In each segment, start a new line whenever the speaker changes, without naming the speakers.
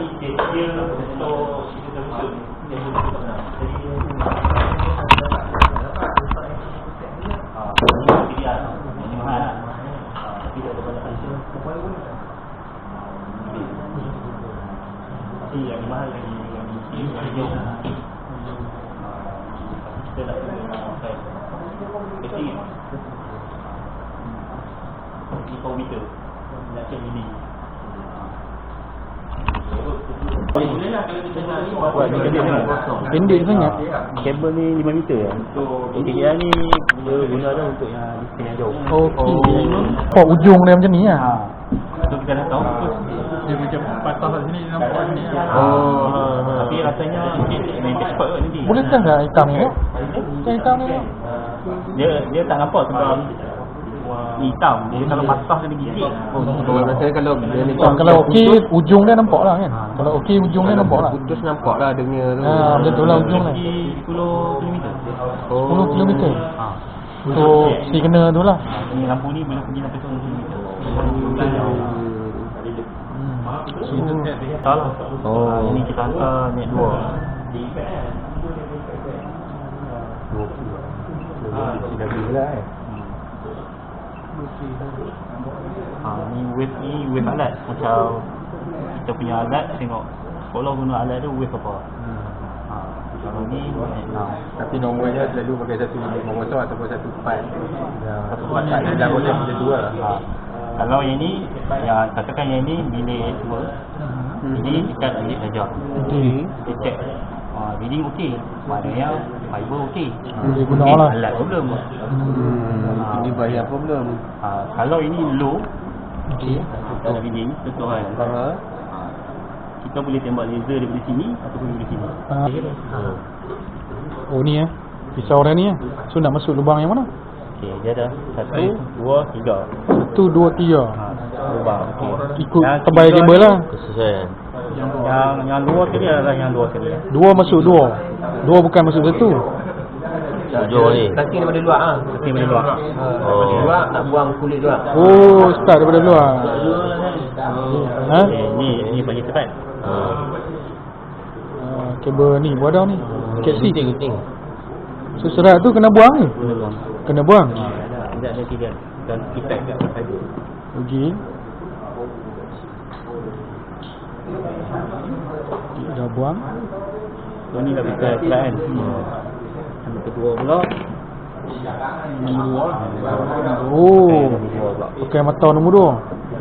ni dia untuk kita betul. Jadi ini mahal. Tapi tak ada banyak hasil. Yang mahal lagi yang jauh. Kita dah pakai testing ni kau meter nak check ini.
Pendek sangat.
Kabel ni 5 meter ya. Okey, yang ni dia guna dah untuk yang distance yang jauh.
Okey. Oh, ujung dia macam ni lah.
So kita dah tahu
dia macam patah kat sini nampak ni.
Tapi rasanya main cepat kot nanti.
Boleh tak hitam ni? Yang hitam ni.
Dia tak nampak sebab hitam. Dia kalau patah kena gigit.
Rasanya kalau dia ni
Kalau okey ujung dia nampak lah kan. Kalau okey ujung dia nampak lah.
putus nampak lah dengar tu.
Betul lah ujung lah.
10 km.
10 km. Untuk si kena tu lah.
Ni lampu ni boleh pergi sampai 10 km. Salah. Ini kita hantar net 2.
Dah gila
Ni wave alat. Macam kita punya alat, tengok sekolah guna alat tu wave apa. Kalau ni net 6.
Tapi nomornya selalu pakai 150 ataupun 14. Ya, 14 dah boleh macam tu lah.
Kalau yang ni, yang katakan yang ni bilik 2. Ini dekat bilik saja. Dia check reading okey, maknanya fiber okey.
Boleh guna lah.
Alat problem.
Ini bahaya problem.
Kalau ini low, untuk reading tentuan. Kita boleh tembak laser daripada sini ataupun daripada sini.
Oh ni pisau dia ni So nak masuk lubang yang mana?
Okey, dia ada 1, 2, 3.
1, 2, 3.
Lubang. Okey.
Ikut tebal kabel lah.
Kesesuaian.
Yang luar sekali adalah yang luar sekali.
2 masuk 2. 2 bukan masuk 1.
Jauh ni. Kaki daripada luar ah.
Kaki daripada luar.
Luar nak buang kulit luar.
Oh, start daripada luar.
Ni bagi cepat.
Kabel ni buat dah ni. KC.
Gunting.
So serat tu kena buang ni. Kena buang.
Ada tidak dan kita ada.
Okey. Dah buang.
So ni dah bisa kan. Yang kedua pula.
Oh. Pakai mata nombor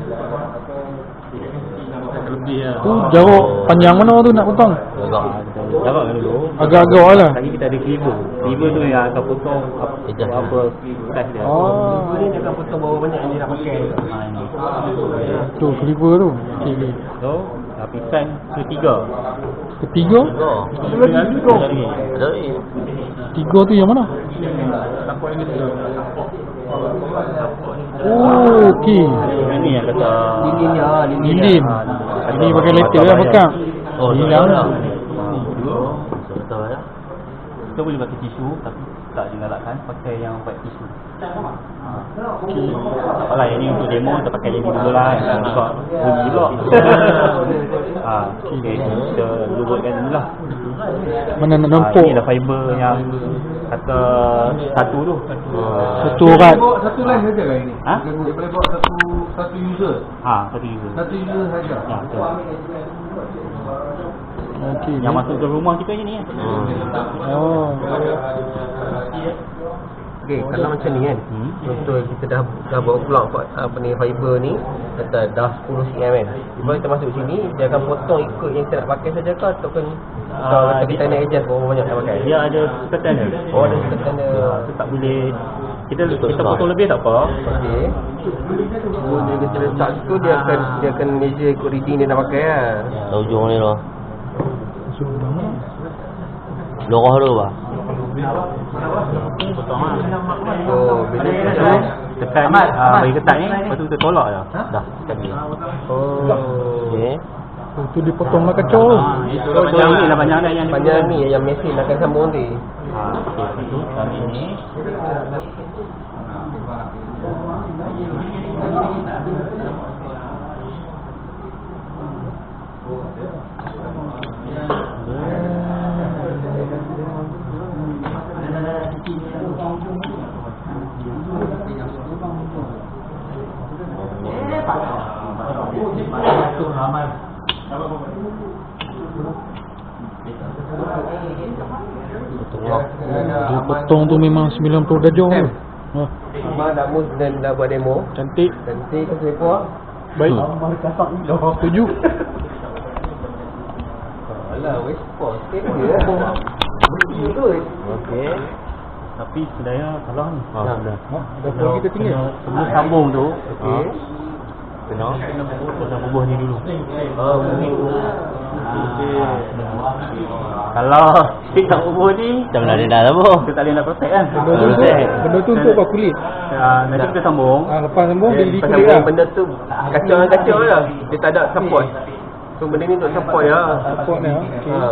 2.
Lebih lah.
Tu jarak panjang mana tu nak potong?
Jarak kan dulu.
Agak-agak lah.
Lagi kita ada cleaver. Cleaver tu yang akan potong apa size dia.
Ni dia akan potong berapa banyak yang dia nak pakai.
Tu cleaver tu. Okey.
So, lapisan ketiga.
Ketiga? Tiga tu yang mana? Oh, okey.
Ini yang kata
Lilin. Ini pakai letter lah bekam. Hilang lah.
Kita boleh pakai tisu tapi tak digalakkan pakai yang white tisu. Apalah yang ni untuk demo kita pakai yang ni dulu lah. Yang buka bunyi pula. Okey, kita lurutkan dulu lah.
Mana nak nampak?
Ni lah fiber yang kata satu tu.
Satu urat.
Satu line saja kan ini? Dia boleh bawa satu user.
Satu user.
Satu user saja.
Betul.
Okey.
Yang masuk ke rumah kita je ni kan.
Oh.
Okey, kalau macam ni kan. Contoh kita dah bawa plug apa ni fiber ni kata dah 10 cm kan. Bila kita masuk sini dia akan potong ikut yang kita nak pakai saja ke ataupun kalau kita nak adjust berapa banyak nak pakai.
Dia ada sekatan dia.
Oh, ada sekatan dia.
Tu tak boleh kita potong lebih tak apa.
Okey. Bila kita letak tu dia akan measure ikut reading dia nak pakai lah.
Ujung ni lah. Lorah tu bah.
Potong lah.
So bila kita
tekan bagi ketat ni, lepas tu kita tolak je. Dah, tekan dia.
okey.
Tu dipotonglah kacau.
Itu panjang ni lah, panjang dah yang
Panjang ni yang mesin akan sambung ni.
Okey, itu kami ni.
Dia potong tu memang 90 darjah tu. Ha.
Abang dah move dan dah buat demo.
Cantik.
Cantik ke selipar?
Baik. Setuju.
Alah, west coast. Dia lah. Good.
Okey.
Tapi sebenarnya salah ni.
Sudah.
Kalau kita tinggal.
Sebelum sambung tu,
Okey.
kena bubuh ni dulu. Kalau stick tak bubuh ni,
Dah nak dah apa?
kita tak boleh nak protect kan.
Benda tu untuk apa kulit?
Nanti kita sambung.
Lepas sambung dia di
Pasal
kulit lah.
benda tu kacau lah. Dia tak ada support. So benda ni untuk support ya.
Support ni. Okey.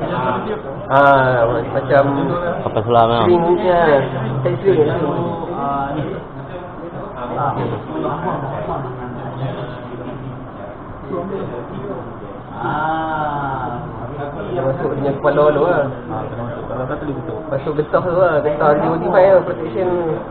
Macam
Kapal selam lah.
string punya. String.
Ni.
Dia masuk dengan kepala dulu lah.
Kalau kata dia betul.
Masuk getah tu lah. Getah D25 lah. Protection.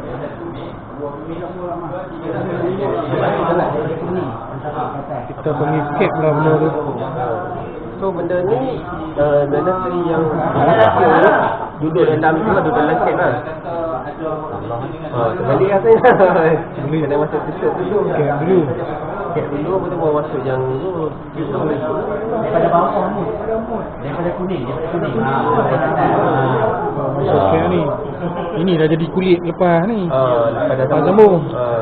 Kita panggil escape lah benda tu.
So benda ni mandatory yang duduk dalam tu lah. Duduk dalam set lah. Terbalik rasanya. Kena masuk tutup dulu.
Escape dulu.
Set dulu. Lepas tu baru masuk yang tu.
Daripada bawah ni. Daripada kuning.
Masuk escape ni. Ini dah jadi kulit lepas ni.
Lepas dah
sambung.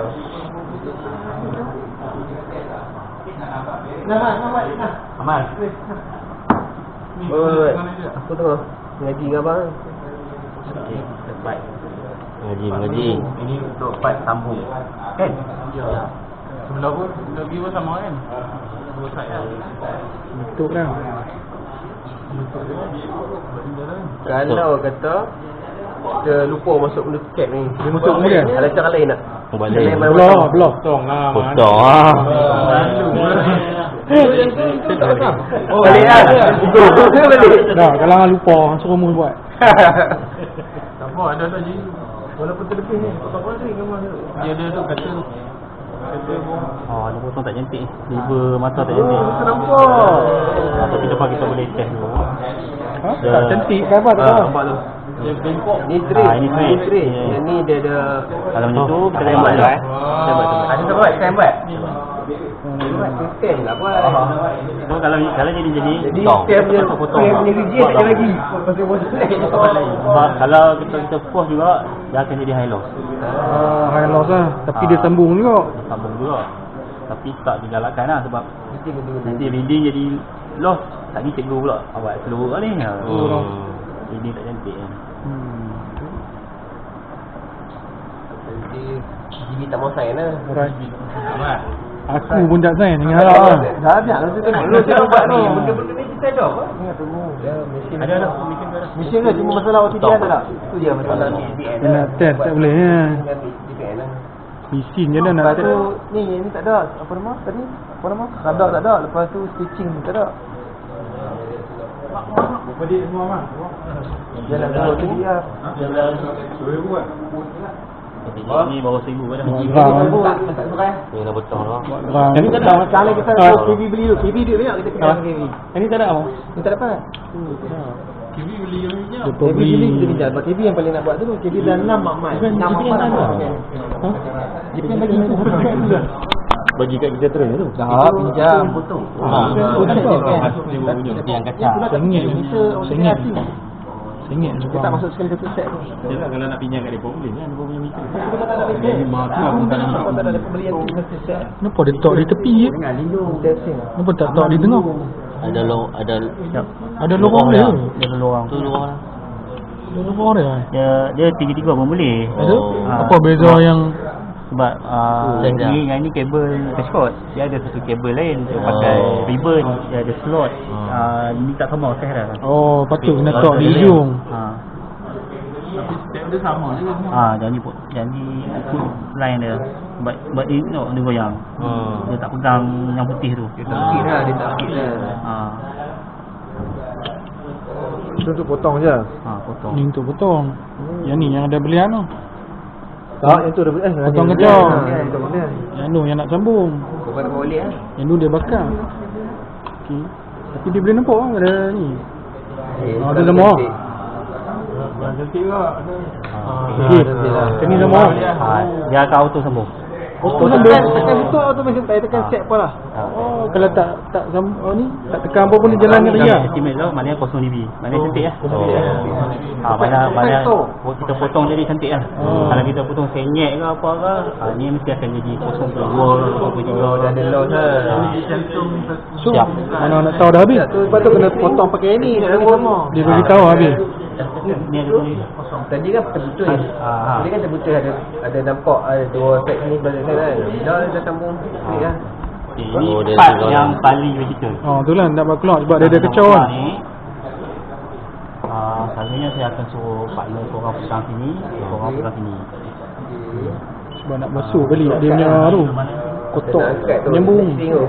Amal.
Aku tengah ngaji dengan abang.
Okey, baik.
Mengaji.
Ini untuk part sambung. Kan?
Ya.
Sebelah pun view pun sama kan? Dua side lah.
Betul lah.
Kalau kata kita lupa masuk benda cap ni.
Dia masuk kemudian?
Ada cara lain tak?
Balik.
Belah.
Potong lah.
Potong lah.
Oh, balik lah. Balik.
Dah, kalau hang lupa suruh mu buat.
Tak apa, ada je. Walaupun terlebih ni, tak apa ni memang dia ada tu kata pun. Oh, ada potong tak cantik. Liver mata tak cantik.
Nampak.
Tapi depan kita boleh test dulu.
Ha? Tak cantik ke apa tak tahu.
Nampak tu. Dia bengkok.
Ni trade.
Ini trade.
Yang ni dia ada.
Kalau macam tu kita
Ada
tembak
yang
dulu
buat, ada yang buat, saya buat. Stem lah buat.
So kalau jadi
Stem punya
potong.
stem punya region tak ada lagi. Pasal
Sebab kalau kita force juga dia akan jadi high loss.
High loss lah. Tapi dia sambung juga.
Sambung juga. Tapi tak digalakkan lah sebab nanti reading jadi loss. Tak ni cikgu pula awak seluruh lah ni. Reading tak cantik kan.
Jadi gigi tak mau sign lah.
Alright. Aku pun tak sign dengan hal lah.
Dah habis lah tu tengok. Lu jangan buat ni. Benda-benda ni kita ada apa? Ya, mesin.
Ada.
Mesin tu cuma masalah OTDN tu tak? Tu je masalah ni.
Dia nak test tak boleh ya. Mesin je dah nak
Lepas
test.
tu ni tak ada. Apa nama tadi? Apa nama? Radar tak ada. Lepas tu stitching tak ada.
Apa dia semua mah?
Dia nak tengok tu dia.
Ni bawa 1,000 pada.
Ni dah potong lah.
Ini tak ada. Macam kita KV beli tu. KV duit banyak kita kena KV.
Ini tak ada apa?
Ini tak dapat.
TV beli yang minyak.
Dia
KV beli kita pinjam. Sebab KV yang paling nak buat tu KV dah 6 mak-mak. 6 mak-mak dah.
Dia bagi tu harga tu dah.
Bagi kat kita terus tu.
Dah pinjam. Potong.
Yang kacau.
Sengit. Sengit.
Kita tak masuk sekali satu set tu.
Dia kalau nak pinjam kat depa boleh kan, depa punya meter.
Kita tak ada lebih. Kita tak ada pembelian mesti set.
Kenapa dia tak di tepi je?
Testing.
Kenapa tak di tengah?
Ada
Ada lorong dia.
Dia ada lorong.
tu luar lah.
Ada lorong dia.
Dia tiga-tiga pun boleh.
Ada?
Ah.
Apa beza yang
Sebab ni dengan ni kabel Cashcode. Dia ada satu kabel lain. Dia pakai ribbon, dia ada slot. Ni tak sama sah dah.
oh patut kena tak di hujung.
Janji ikut line dia. Sebab dia tengok dia goyang. Dia tak pegang yang putih tu.
Dia tak sikit lah, dia tak sikit lah.
Itu untuk potong je.
Potong.
Ni untuk potong. Yang ni yang ada belian tu.
Tak, yang tu dah
potong kecil. Yang tu yang nak sambung.
Kau nak boleh lah.
Yang tu dia bakar. Okey. Tapi dia boleh nampak kan ada ni. Ada lemah.
Cantik lah.
Ini lemah.
Dia akan auto sambung.
Auto sambung. Tekan betul auto macam tak tekan set pun lah. Kalau tak sambung ni, tak tekan apa pun dia jalan dengan dia.
Estimate tu maknanya 0 dB. Maknanya cantik lah. Mana kita potong jadi cantik lah. Kalau kita potong senyek ke apa ke, ni mesti akan jadi 0.2
Dah ada loss lah.
So, mana nak tahu dah habis.
Sebab tu kena potong pakai ni.
Dia bagi tahu habis.
Ni ada ni.
Tadi kan terputus. Tadi kan terputus ada nampak ada dua set ni balik kan. Dah sambung straight lah.
Ini part yang paling vertical.
Tu lah nak buat keluar sebab dia ada kecau kan.
Selalunya saya akan suruh partner korang pegang sini, korang pegang sini.
Sebab nak basuh balik dia punya tu. Kotak menyambung.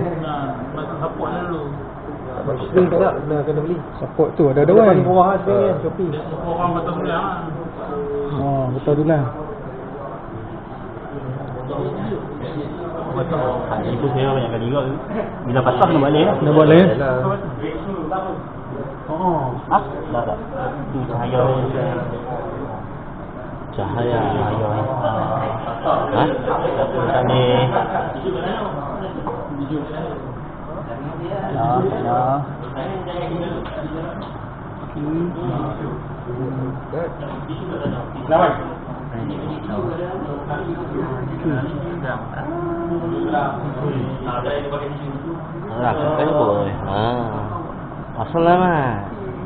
String tak nak kena beli.
Support tu ada kan.
Murah string ni Shopee.
Betul tu lah.
Itu saya banyak kali juga. Bila patah kena balik lah.
Nak buat lain.
Dah tak. Itu cahaya.
Cahaya.
Tak ni. Ya. Selamat.
Kan boleh. Assalamualaikum.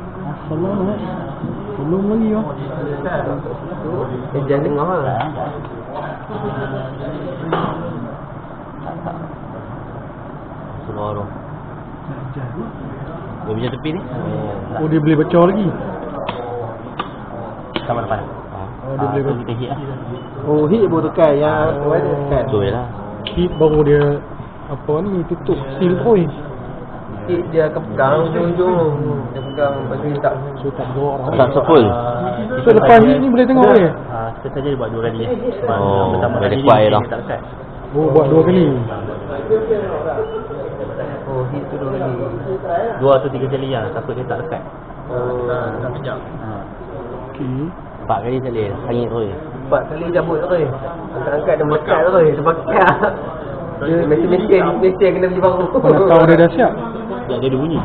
Belum lagi ya.
Jangan tengah lah.
Seluruh. Dia punya tepi ni.
Dia boleh baca lagi.
Sama depan.
Dia boleh baca.
Kita hit lah.
Hit baru tekan yang tekan.
Betul lah.
Hit baru dia apa ni tutup seal point.
Hit dia akan pegang ujung-ujung. Dia pegang bagi tak.
So tak gerak dah.
Tak sepul.
So lepas hit ni boleh tengok boleh.
Kita saja dia buat 2 kali.
Pertama kali kuat dah.
Tak lekat.
Buat 2 kali.
Hit tu 2 kali.
2 atau 3 kali lah. Takut dia tak lekat.
Tak kejap.
Okey.
4 kali tak boleh. Hangit terus.
4 kali cabut terus. Angkat-angkat dia melekat terus. Sebakar. Dia mesin kena beli baru.
Mana tahu dia dah siap.
Dia ada bunyi.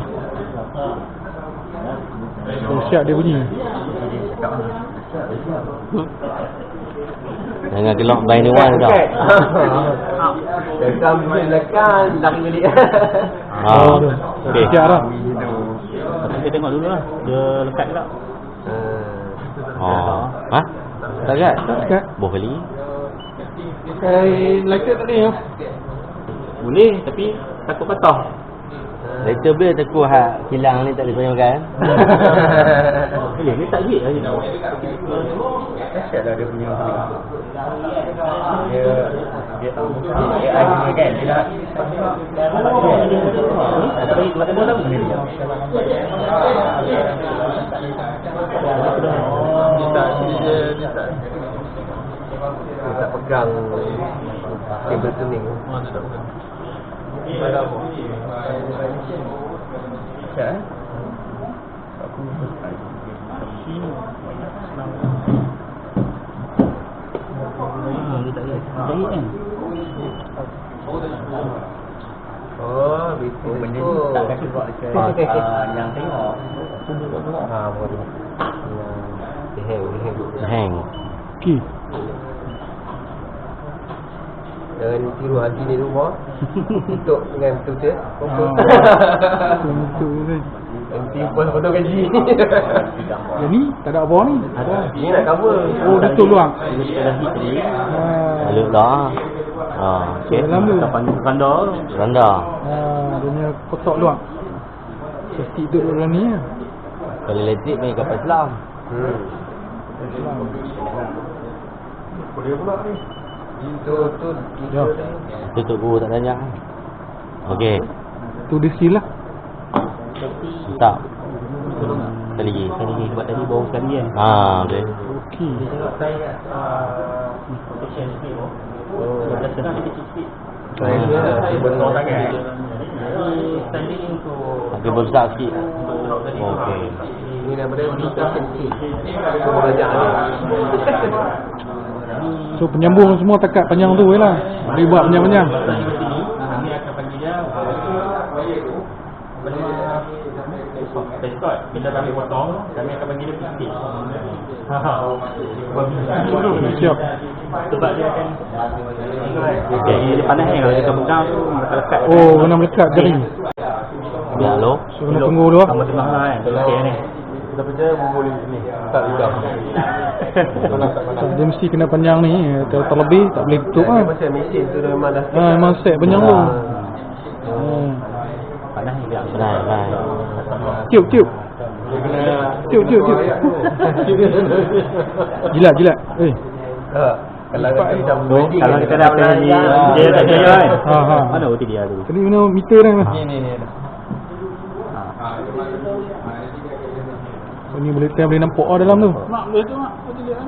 Dia siap dia bunyi.
Jangan gelak by the one dah.
Dekat mesin lekan lari balik.
Okey.
Siap dah.
Kita tengok dulu lah. Dia lekat ke tak?
Tak kat?
Tak dekat.
Boh kali.
Lighter tak ni ya.
Boleh tapi takut patah.
Later boleh takut kilang ni tak boleh kau makan.
Boleh, dia tak hit lagi.
Asyik lah dia punya. Dia tahu. Dia punya kan. Dia dah. Tapi macam mana tahu ni dia? Dia tak pegang kabel tuning. Ya. Aku
dia tak hit kan?
betul.
Benda ni tak kasi buat dekat yang tengok.
Boleh. Dia
Hang.
Okey.
Jangan tiru hati ni rumah. Tutup dengan betul-betul.
Betul kan.
Nanti potong gaji.
Yang ni tak ada apa ni.
Ini nak cover.
Dia tolong.
Dia dah hit tadi.
Lalu dah.
Okey. Dalam tu.
Randa.
Rendah.
Dia punya kotak luang. Safety duduk dalam ni lah.
Kalau elektrik main kapal selam.
Boleh pula ni.
Itu
Ya.
Tutup guru tak tanya. Okey.
Tu dia seal lah.
Tak.
Sekali lagi sebab tadi baru sekali kan.
Okey.
Okey.
Tengok saya protection sikit. Dah senang sikit.
saya betul sangat.
Jadi standing untuk
Okey besar sikit. Okey.
Ini daripada protection kit. Semua belajar ni.
So penyambung semua takat panjang tu je lah. Boleh buat panjang-panjang.
Kami akan panggil dia Prescott. Bila kami potong, kami akan panggil dia pistis.
Siap.
Sebab dia akan dia panas ni kalau dia pegang tu melekat.
Oh, kena melekat jari.
Biar lo.
So kena tunggu dulu.
Sama tengah lah kan. Okey ni.
Kita kerja boleh ni. Tak juga.
Dia mesti kena panjang ni. Terlebih tak boleh tutup kan.
Macam mesin tu dia memang dah
Memang set panjang tu.
Panas ni biar.
Benar.
Tiup. Tiup. Jilat.
kalau kata macam
Kalau kita dah pergi dia tak jaya kan. Mana OT dia tu?
Kena guna meter dah.
ni.
So ni boleh nampak dalam tu.
Mak boleh tu mak. OT dia kan.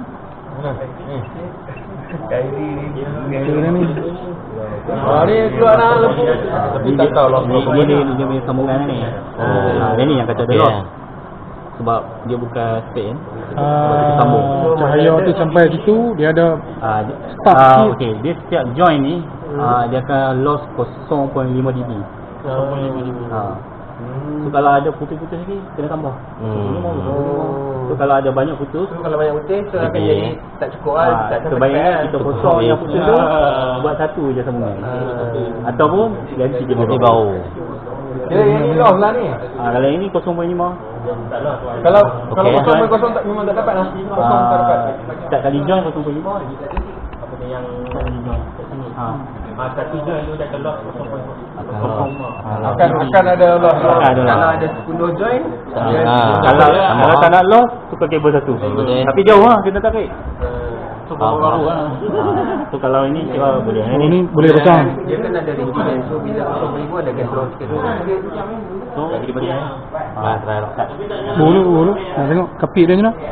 Kairi
Meter dah ni.
ni keluar dah lembu. Tapi tak tahu lah.
Dia punya sambungan ni. Dia ni yang kata dia
Okey.
lost. Sebab dia bukan straight kan.
Cahaya tu sampai situ dia ada start sikit.
Okey, dia setiap join ni dia akan loss 0.5 dB. 0.5 dB. So kalau ada putus-putus lagi kena tambah. So kalau ada banyak putus,
Kalau banyak putih tu akan jadi tak cukup lah. Tak
sebaiknya kita potong yang putus tu buat satu je sambungan. Ataupun ganti dia
Nanti bau.
Dia yang ni loss lah ni.
Kalau yang ni 0.5.
Kalau
Okey.
kosong tak memang tak dapat lah. Kosong tak dapat.
Setiap kali join 0.5. Apa dia yang kali join kat sini. Satu join tu dia akan loss 0.5.
Akan ada loss.
Akan ada loss.
Kalau ada 10 join,
Kalau tak nak loss, tukar kabel satu.
Betul.
Tapi jauh lah kena tarik. So baru lah. So kalau ini kira boleh.
Oh, ni boleh pasang.
dia kan ada ringgit. So bila 0.5 ada control sikit.
So jadi bagi
Try lah.
Boleh. Nak tengok kapit dia macam mana?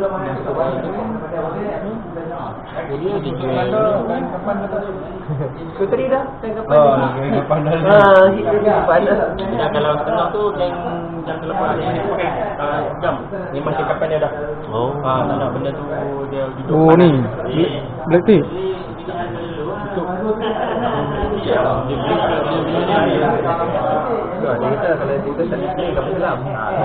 Kuteri dah. Kapan dah. Hit dia panas.
Dan kalau setengah tu jam terlepas dia pakai jam. Ni macam kapan dia dah. Tak nak benda tu dia duduk.
Oh ni. Black tip.
Dia kata kalau kita tak display kat dalam.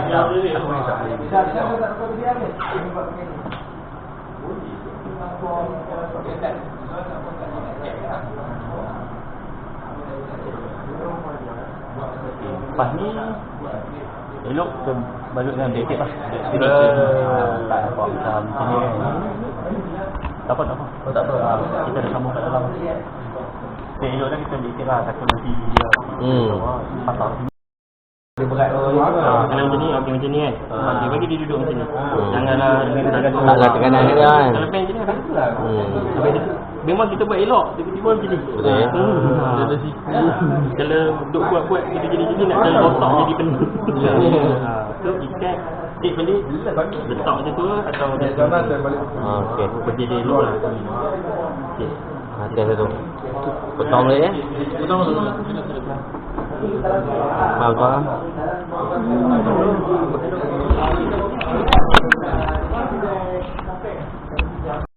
Lepas ni elok kita balut dengan black tape lah. Tak nampak macam ni kan. Tak apa. Kita dah sambung kat dalam. Elok dah kita black tape lah. Takut nanti dia patah. Dia berat kalau macam ni, macam ni kan. Dia bagi dia duduk macam ni. Janganlah
Taklah tekanan dia kan.
Kalau pen macam ni akan lah. Sampai dia memang kita buat elok, tiba-tiba macam ni.
Betul ya?
Dia ada siku. Kalau duk buat kita jadi nak kena rosak jadi penuh. So ikat tip balik, letak macam tu atau
Okey.
pergi dia elok lah. Okey.
Hati satu. Potong boleh ya?
Potong.
Apa?